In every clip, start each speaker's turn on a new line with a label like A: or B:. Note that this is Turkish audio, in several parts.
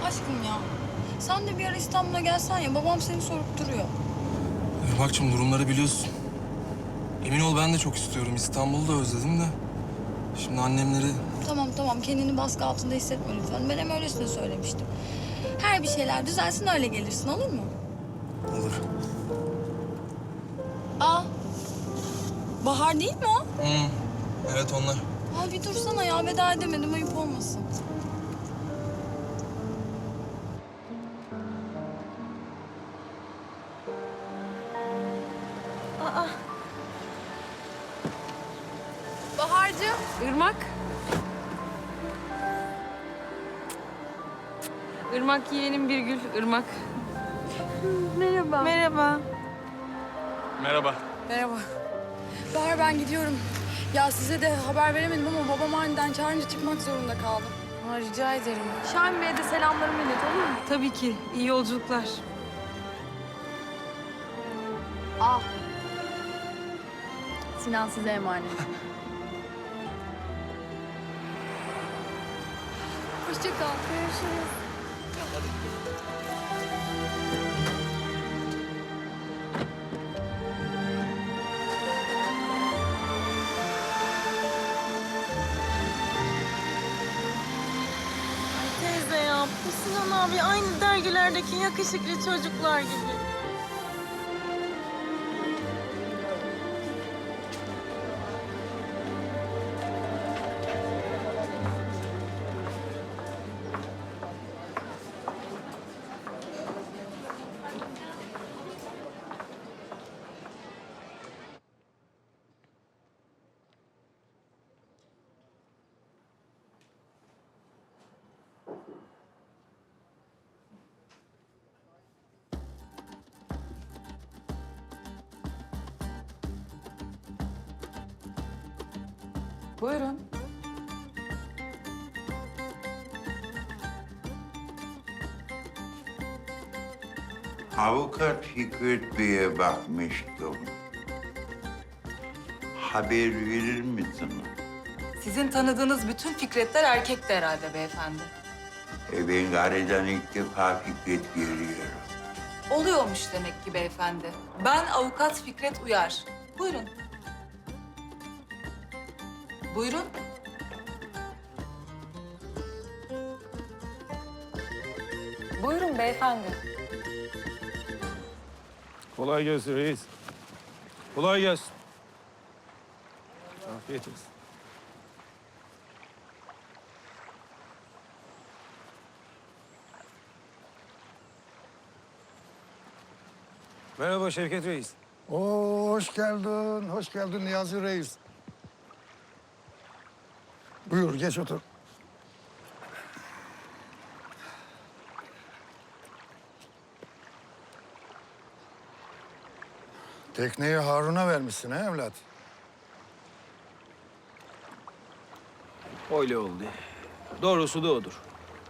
A: aşkım ya. Sen de bir ara İstanbul'a gelsen ya. Babam seni sorup duruyor.
B: Bak durumları biliyorsun. Emin ol ben de çok istiyorum. İstanbul'u da özledim de. Şimdi annemleri...
A: Tamam kendini baskı altında hissetme lütfen. Ben hem öylesine söylemiştim. Her bir şeyler düzelsin öyle gelirsin, olur mu?
B: Olur.
A: Aa, Bahar değil mi o?
B: Evet onlar.
A: Aa, bir dursana ya, veda edemedim, ayıp olmasın. Aa. Bahar'cığım.
C: Irmak. Irmak yeğenim Birgül, Irmak.
A: Merhaba.
C: Merhaba.
B: Merhaba.
A: Merhaba. Bahar, ben gidiyorum. Ya size de haber veremedim ama babam aniden çağırınca çıkmak zorunda kaldım.
C: Ha, rica ederim.
A: Şahin Bey'e de selamlarımı ilet, olur mu?
C: Tabii ki. İyi yolculuklar.
A: Al. Sinan size emanet. Hoşça kal. Görüşürüz.
D: Teyze ya, bu Sinan abi aynı dergilerdeki yakışıklı çocuklar gibi.
C: Buyurun.
E: Avukat Fikret Bey'e bakmıştım. Haber verir misin?
F: Sizin tanıdığınız bütün Fikretler erkekti herhalde beyefendi.
E: Ben aradan ilk defa Fikret görüyorum.
F: Oluyormuş demek ki beyefendi. Ben avukat Fikret Uyar. Buyurun. Buyurun. Buyurun beyefendi.
G: Kolay gelsin reis. Kolay gelsin. Afiyet olsun. Merhaba Şevket Reis.
H: Oo, hoş geldin Niyazi Reis. Buyur, geç otur. Tekneyi Harun'a vermişsin ha evlat?
G: Öyle oldu. Doğrusu da odur.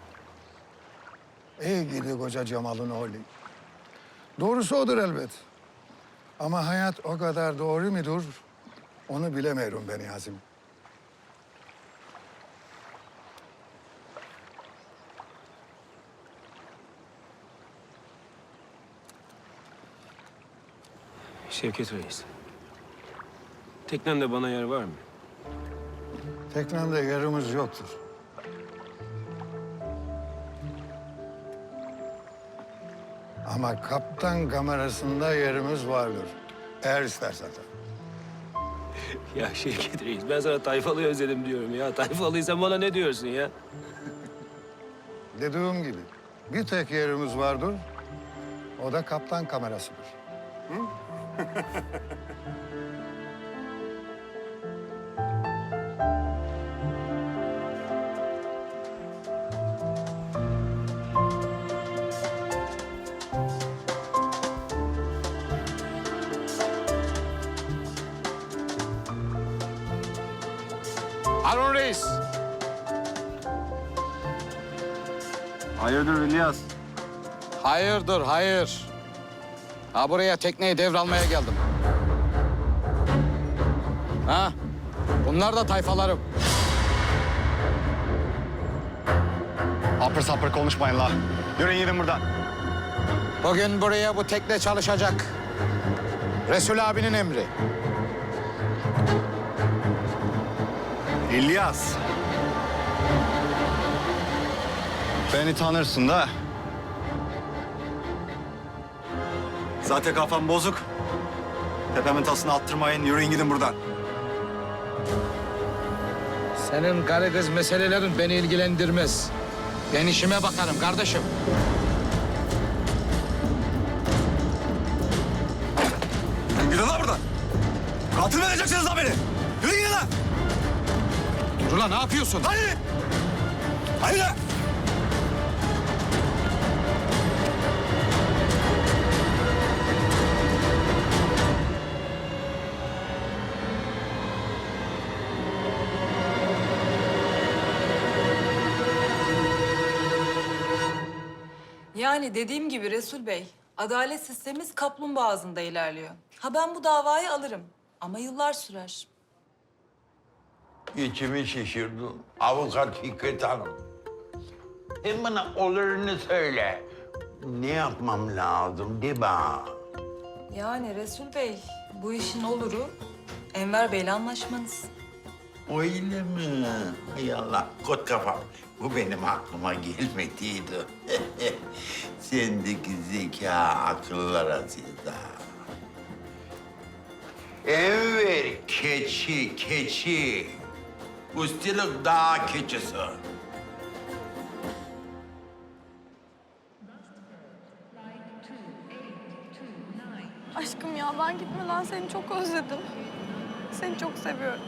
H: İyi gidi koca Cemal'ın oğlu. Doğrusu odur elbet. Ama hayat o kadar doğru mudur? Onu bilemiyorum ben Yazım.
G: Şevket Reis. Teknemde bana yer var mı?
H: Teknemde yerimiz yoktur. Ama kaptan kamerasında yerimiz vardır. Eğer istersen tabii.
G: Ya Şevket Reis, ben sana Tayfalı'yı özledim diyorum ya. Tayfalı'ysan bana ne diyorsun ya?
H: Dediğim gibi bir tek yerimiz vardır. O da kaptan kamerasıdır.
I: Harun Reis.
G: Hayırdır İlyas?
I: Hayırdır, hayır. Ha buraya tekneyi devralmaya geldim. Ha? Bunlar da tayfalarım.
J: Apır sapır konuşmayın la. Yürüyün gidin buradan.
I: Bugün buraya bu tekne çalışacak. Resul abinin emri.
J: İlyas. Beni tanırsın da. Zaten kafam bozuk. Tepemin tasını attırmayın. Yürüyün gidin buradan.
I: Senin karı kız meselelerin beni ilgilendirmez. Ben işime bakarım kardeşim.
J: Gidin lan buradan. Katil mi edeceksiniz lan beni? Yürüyün gidin lan.
I: Dur lan, ne yapıyorsun?
J: Hadi. Hadi lan.
F: Yani dediğim gibi Resul Bey, adalet sistemimiz kaplumbağa ağzında ilerliyor. Ha ben bu davayı alırım ama yıllar sürer.
E: İçimi şişirdin. Avukat Fikret Hanım. Hem bana olurunu söyle. Ne yapmam lazım de bana.
F: Yani Resul Bey, bu işin oluru Enver Bey'le anlaşmanız.
E: Öyle mi? Hay Allah, kot kafam. Bu benim aklıma gelmediydi. Sendeki zeka akıllara sizde. Enver keçi. Üstelik dağ keçisi.
D: Aşkım ya ben gitmeden seni çok özledim. Seni çok seviyorum.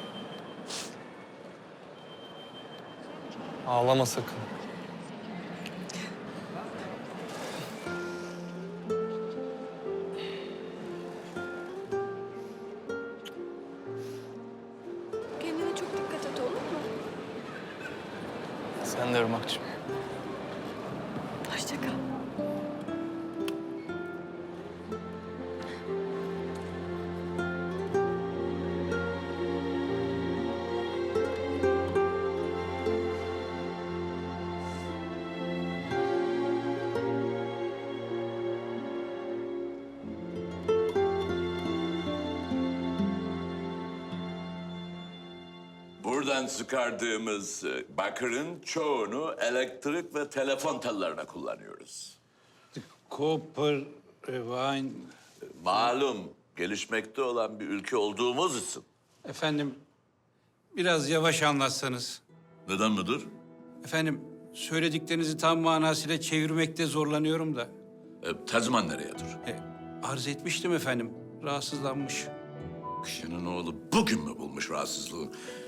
B: Ağlama sakın.
D: Kendine çok dikkat et, olur mu?
B: Sen de Irmak'cığım.
D: Hoşça kal.
K: Buradan çıkardığımız bakırın çoğunu elektrik ve telefon tellerine kullanıyoruz.
G: Copper, wine...
K: Malum gelişmekte olan bir ülke olduğumuz için.
G: Efendim, biraz yavaş anlatsanız.
K: Neden müdür?
G: Efendim, söylediklerinizi tam manasıyla çevirmekte zorlanıyorum da.
K: Tercüman nereyedir?
G: Arz etmiştim efendim, rahatsızlanmış.
K: Kişinin oğlu bugün mü bulmuş rahatsızlığı?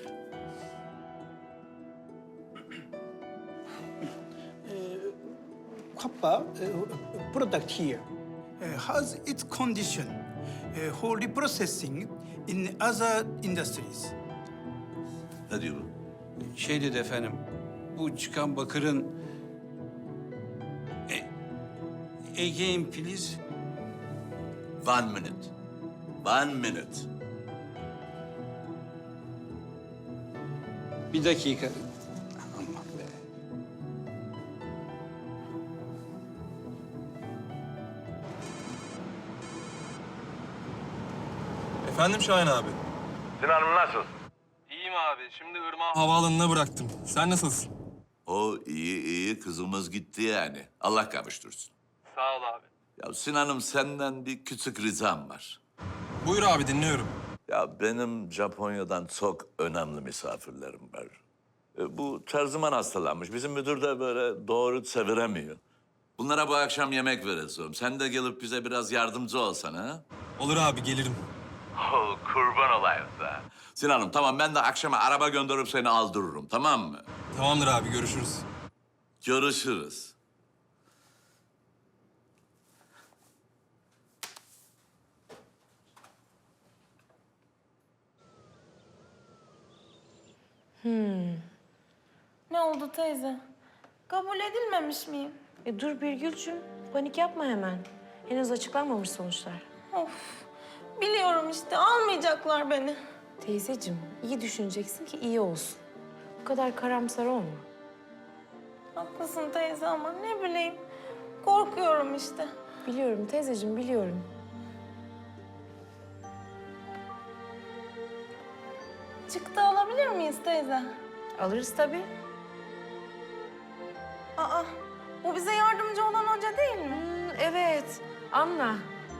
L: Copper product here has its condition for reprocessing in other industries.
K: Ne diyor bu?
G: Şey dedi efendim, bu çıkan bakırın... Again please.
K: 1 minute. 1 minute.
G: Bir dakika. Aman be.
B: Efendim Şahin abi.
E: Sinan'ım nasıl?
B: İyiyim abi. Şimdi Irmak'ı havaalanına bıraktım. Sen nasılsın?
K: O iyi kızımız gitti yani. Allah kavuştursun.
B: Sağ ol abi.
K: Ya Sinan'ım senden bir küçük ricam var.
B: Buyur abi dinliyorum.
K: Ya benim Japonya'dan çok önemli misafirlerim var. Bu terziman hastalanmış. Bizim müdür de böyle doğru çeviremiyor. Bunlara bu akşam yemek vereceğim. Sen de gelip bize biraz yardımcı olsana ha?
B: Olur abi gelirim.
K: Oh, kurban olayım da. Sinan'ım tamam ben de akşama araba gönderip seni aldırırım tamam mı?
B: Tamamdır abi görüşürüz.
K: Görüşürüz.
D: Ne oldu teyze? Kabul edilmemiş miyim?
C: Dur Birgül'cüm, panik yapma hemen. Henüz açıklanmamış sonuçlar.
D: Of, biliyorum işte almayacaklar beni.
C: Teyzeciğim, iyi düşüneceksin ki iyi olsun. Bu kadar karamsar olma.
D: Haklısın teyze ama ne bileyim. Korkuyorum işte.
C: Biliyorum teyzeciğim, biliyorum.
D: Çıktı alabilir miyiz teyze?
C: Alırız tabii.
D: Aa, bu bize yardımcı olan hoca değil mi?
C: Evet, Anna.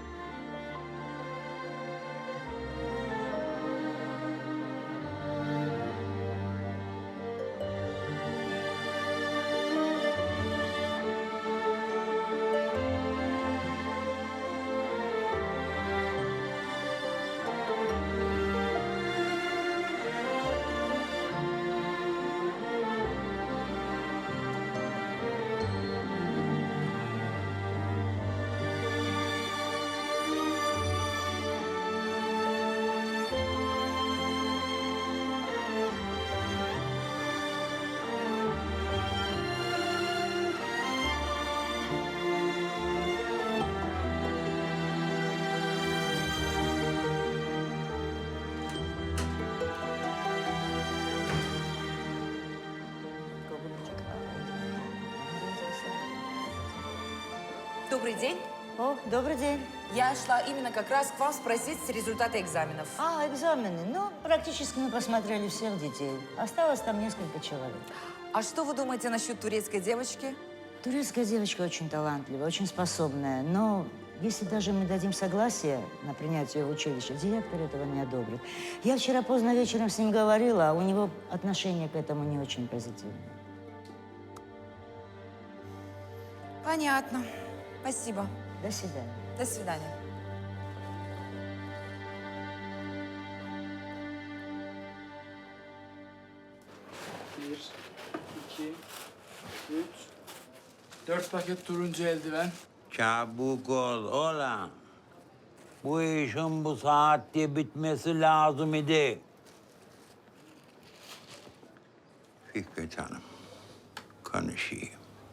F: Добрый день.
M: О, добрый день.
F: Я шла именно как раз к вам спросить результаты экзаменов.
M: Экзамены. Ну, практически мы посмотрели всех детей. Осталось там несколько человек.
F: А что вы думаете насчет турецкой девочки?
M: Турецкая девочка очень талантливая, очень способная. Но если даже мы дадим согласие на принятие ее в училище, директор этого не одобрит. Я вчера поздно вечером с ним говорила, а у него отношение к этому не очень позитивное.
F: Понятно. Спасибо.
M: До свидания.
F: До свидания.
I: Bir, iki, üç, 4 paket turuncu eldiven.
E: Çabuk ol oğlum. Bu işin bu saatte bitmesi lazım idi. Fikret Hanım, konuşayım.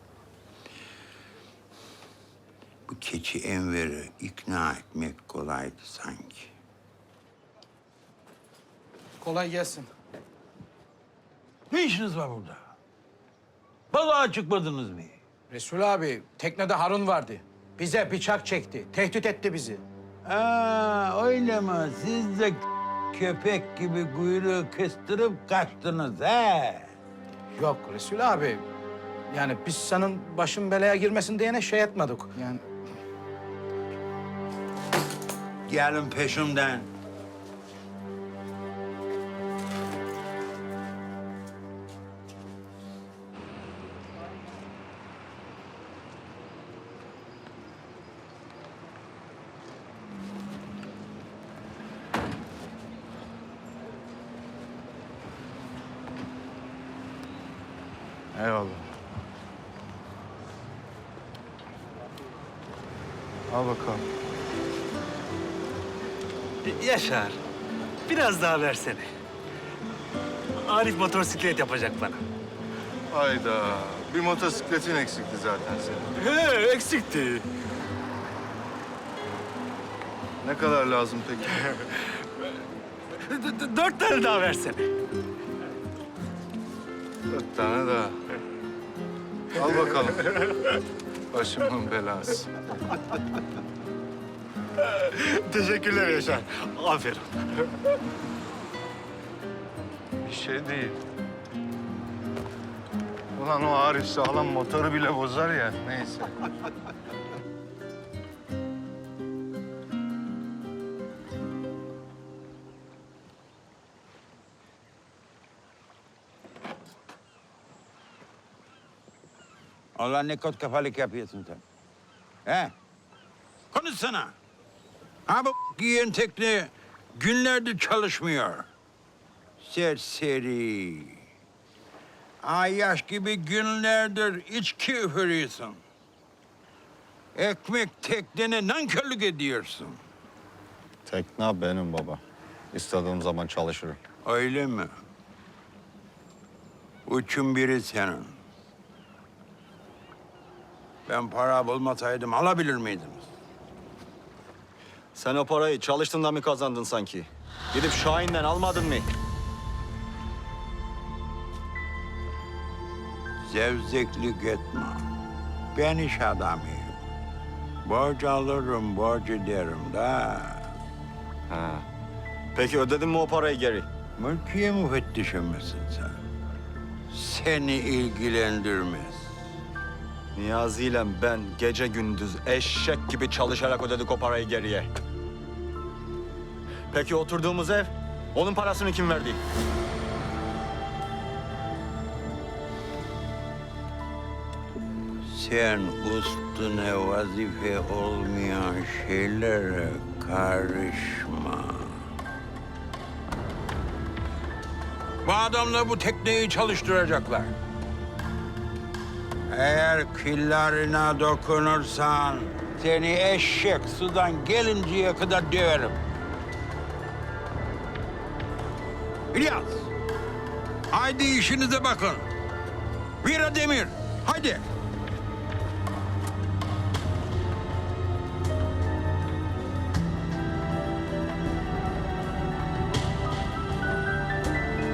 E: Bu keçi Enver'i ikna etmek kolaydı sanki.
I: Kolay gelsin.
E: Ne işiniz var burada? Balığa çıkmadınız mı?
I: Resul abi, teknede Harun vardı. Bize bıçak çekti, tehdit etti bizi.
E: Öyle mi? Siz de köpek gibi kuyruğu kıstırıp kaçtınız he?
I: Yok Resul abi. Yani biz senin başın belaya girmesin diyene şey etmedik. Yani
E: Gelin peşimden.
J: Eyvallah. Al bakalım.
G: Yaşar, biraz daha versene. Arif motosiklet yapacak bana.
J: Hayda. Bir motosikletin eksikti zaten senin.
G: He, eksikti.
J: Ne kadar lazım peki?
G: 4 tane daha versene.
J: 4 tane daha. Al bakalım. Başımın belası.
G: Teşekkürler Yaşar. Aferin.
J: Bir şey değil. Ulan o Arif sağlam motoru bile bozar ya. Neyse.
E: Allah ne kot kafalık yapıyorsun sen. He? Konuşsana. Ha bu giyen tekne günlerdir çalışmıyor. Serseri. Ayyaş gibi günlerdir içki üfürüyorsun. Ekmek teknene nankörlük ediyorsun.
J: Tekne benim baba. İstediğim zaman çalışırım.
E: Öyle mi? Üçün biri senin. Ben para bulmasaydım alabilir miydiniz?
J: Sen o parayı çalıştığında mı kazandın sanki? Gidip Şahin'den almadın mı?
E: zevzeklik etme. Ben iş adamıyım. Borç alırım, borç öderim da.
J: Ha. Peki ödedin mi o parayı geri?
E: Mülkiye müfettişi misin sen? Seni ilgilendirmez.
J: Niyazi ile ben gece gündüz eşek gibi çalışarak ödedik o parayı geriye. Peki oturduğumuz ev, onun parasını kim verdi?
E: Sen üstüne vazife olmayan şeylere karışma. Bu adamlar bu tekneyi çalıştıracaklar. Eğer killerine dokunursan seni eşek sudan gelinceye kadar döverim. İlyas, haydi işinize bakın. Vira Demir, haydi.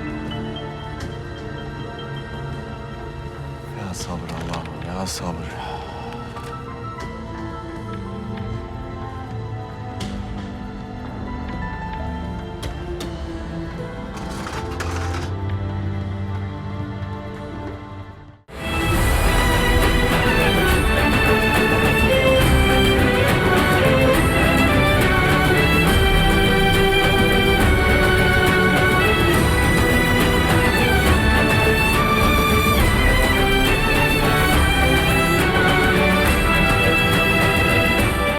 B: Ya sabır Allah'ım, ya sabır.